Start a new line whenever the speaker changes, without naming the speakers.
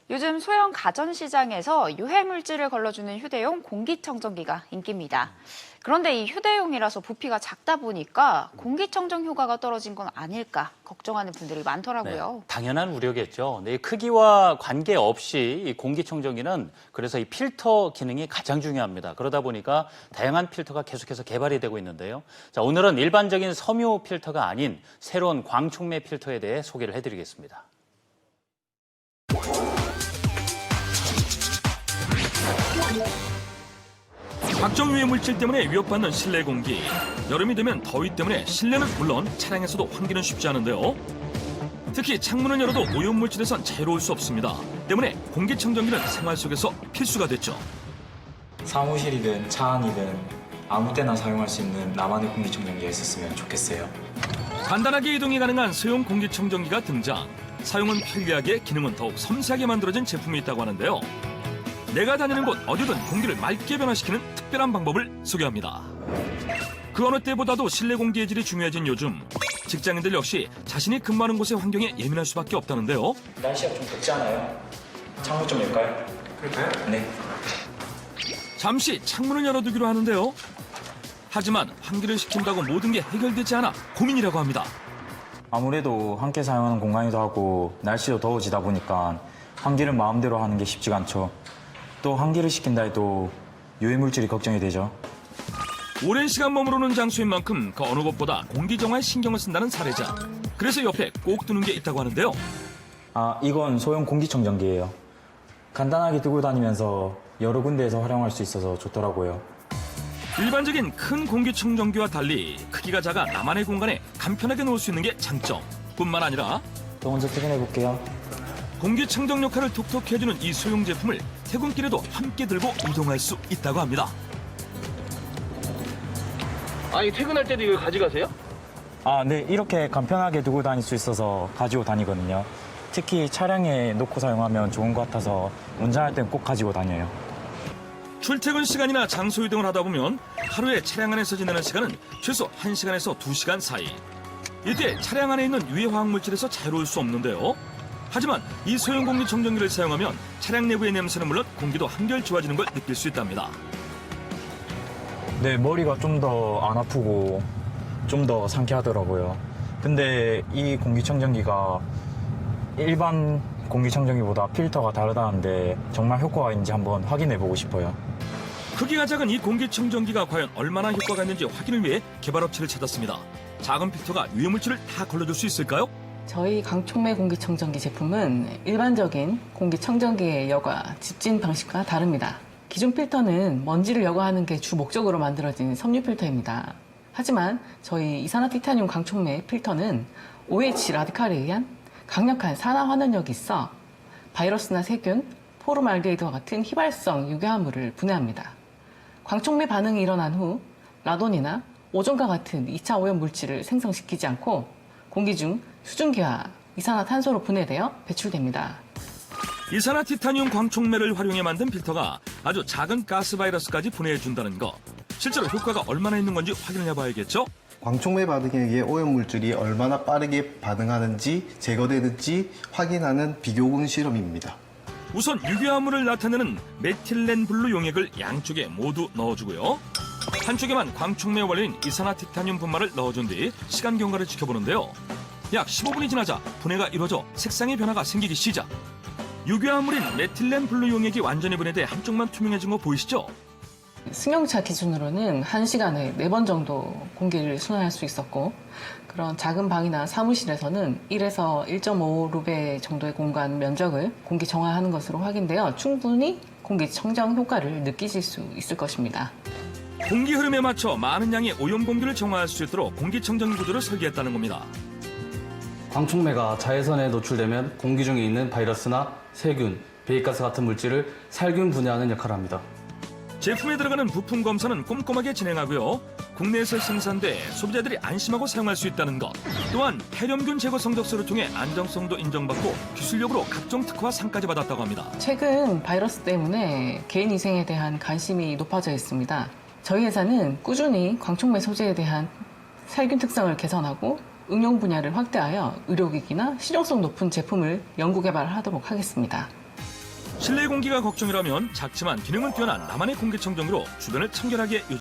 요즘 소형 가전시장에서 유해물질을 걸러주는 휴대용 공기청정기가 인기입니다. 그런데 이 휴대용이라서 부피가 작다 보니까 공기청정 효과가 떨어진 건 아닐까 걱정하는 분들이 많더라고요.
네, 당연한 우려겠죠. 네, 크기와 관계없이 이 공기청정기는 그래서 이 필터 기능이 가장 중요합니다. 그러다 보니까 다양한 필터가 계속해서 개발이 되고 있는데요. 자, 오늘은 일반적인 섬유 필터가 아닌 새로운 광촉매 필터에 대해 소개를 해드리겠습니다.
각종 유해 물질 때문에 위협받는 실내 공기. 여름이 되면 더위 때문에 실내는 물론 차량에서도 환기는 쉽지 않은데요. 특히 창문을 열어도 오염 물질에선 자유로울 수 없습니다. 때문에 공기청정기는 생활 속에서 필수가 됐죠.
사무실이든 차 안이든 아무 때나 사용할 수 있는 나만의 공기청정기가 있었으면 좋겠어요.
간단하게 이동이 가능한 소형 공기청정기가 등장. 사용은 편리하게, 기능은 더욱 섬세하게 만들어진 제품이 있다고 하는데요. 내가 다니는 곳 어디든 공기를 맑게 변화시키는 특별한 방법을 소개합니다. 그 어느 때보다도 실내 공기의 질이 중요해진 요즘, 직장인들 역시 자신이 근무하는 곳의 환경에 예민할 수밖에 없다는데요.
날씨가 좀 덥지 않아요? 창문 좀 열까요? 그럴까요? 네.
잠시 창문을 열어두기로 하는데요. 하지만 환기를 시킨다고 모든 게 해결되지 않아 고민이라고 합니다.
아무래도 함께 사용하는 공간이기도 하고 날씨도 더워지다 보니까 환기를 마음대로 하는 게 쉽지가 않죠. 또 환기를 시킨다 해도 유해물질이 걱정이 되죠.
오랜 시간 머무르는 장소인 만큼 그 어느 것보다 공기 정화에 신경을 쓴다는 사례자. 그래서 옆에 꼭 두는 게 있다고 하는데요.
이건 소형 공기청정기예요. 간단하게 두고 다니면서 여러 군데에서 활용할 수 있어서 좋더라고요.
일반적인 큰 공기청정기와 달리 크기가 작아 나만의 공간에 간편하게 놓을 수 있는 게 장점. 뿐만 아니라
또 먼저 퇴근해 볼게요.
공기청정 역할을 톡톡히 해주는 이 소형 제품을 퇴근길에도 함께 들고 이동할 수 있다고 합니다.
아니 퇴근할 때도 이걸 가져가세요?
네, 이렇게 간편하게 두고 다닐 수 있어서 가지고 다니거든요. 특히 차량에 놓고 사용하면 좋은 것 같아서 운전할 땐 꼭 가지고 다녀요.
출퇴근 시간이나 장소 이동을 하다 보면 하루에 차량 안에서 지내는 시간은 최소 1시간에서 2시간 사이. 이때 차량 안에 있는 유해 화학 물질에서 자유로울 수 없는데요. 하지만 이 소형 공기청정기를 사용하면 차량 내부의 냄새는 물론 공기도 한결 좋아지는 걸 느낄 수 있답니다.
네, 머리가 좀 더 안 아프고 좀 더 상쾌하더라고요. 근데 이 공기청정기가 일반 공기청정기보다 필터가 다르다는데 정말 효과가 있는지 한번 확인해 보고 싶어요.
크기가 작은 이 공기청정기가 과연 얼마나 효과가 있는지 확인을 위해 개발업체를 찾았습니다. 작은 필터가 유해물질을 다 걸러줄 수 있을까요?
저희 광촉매 공기청정기 제품은 일반적인 공기청정기의 여과, 집진 방식과 다릅니다. 기존 필터는 먼지를 여과하는 게 주 목적으로 만들어진 섬유 필터입니다. 하지만 저희 이산화티타늄 광촉매 필터는 OH 라디칼에 의한 강력한 산화 환원력이 있어 바이러스나 세균, 포름알데히드와 같은 휘발성 유해화물을 분해합니다. 광촉매 반응이 일어난 후 라돈이나 오존과 같은 2차 오염 물질을 생성시키지 않고 공기 중 수증기와 이산화탄소로 분해되어 배출됩니다.
이산화티타늄 광촉매를 활용해 만든 필터가 아주 작은 가스 바이러스까지 분해해준다는 것. 실제로 효과가 얼마나 있는 건지 확인을 해봐야겠죠?
광촉매 반응에 의해 오염물질이 얼마나 빠르게 반응하는지 제거되는지 확인하는 비교군 실험입니다.
우선 유해화물을 나타내는 메틸렌 블루 용액을 양쪽에 모두 넣어주고요. 한쪽에만 광촉매 원료인 이산화티타늄 분말을 넣어준 뒤 시간 경과를 지켜보는데요. 약 15분이 지나자 분해가 이루어져 색상의 변화가 생기기 시작. 유해화물인 메틸렌 블루 용액이 완전히 분해돼 한쪽만 투명해진 거 보이시죠?
승용차 기준으로는 1시간에 4번 정도 공기를 순환할 수 있었고 그런 작은 방이나 사무실에서는 1에서 1.5루베 정도의 공간 면적을 공기 정화하는 것으로 확인되어 충분히 공기 청정 효과를 느끼실 수 있을 것입니다.
공기 흐름에 맞춰 많은 양의 오염 공기를 정화할 수 있도록 공기청정 구조를 설계했다는 겁니다.
광촉매가 자외선에 노출되면 공기 중에 있는 바이러스나 세균, 배기가스 같은 물질을 살균 분해하는 역할을 합니다.
제품에 들어가는 부품 검사는 꼼꼼하게 진행하고요. 국내에서 생산돼 소비자들이 안심하고 사용할 수 있다는 것. 또한 폐렴균 제거 성적서를 통해 안정성도 인정받고 기술력으로 각종 특허와 상까지 받았다고 합니다.
최근 바이러스 때문에 개인 위생에 대한 관심이 높아져 있습니다. 저희 회사는 꾸준히 광촉매 소재에 대한 살균 특성을 개선하고 응용 분야를 확대하여 의료기기나 실용성 높은 제품을 연구 개발하도록 하겠습니다.
실내 공기가 걱정이라면 작지만 기능은 뛰어난 나만의 공기청정기로 주변을 청결하게 유지.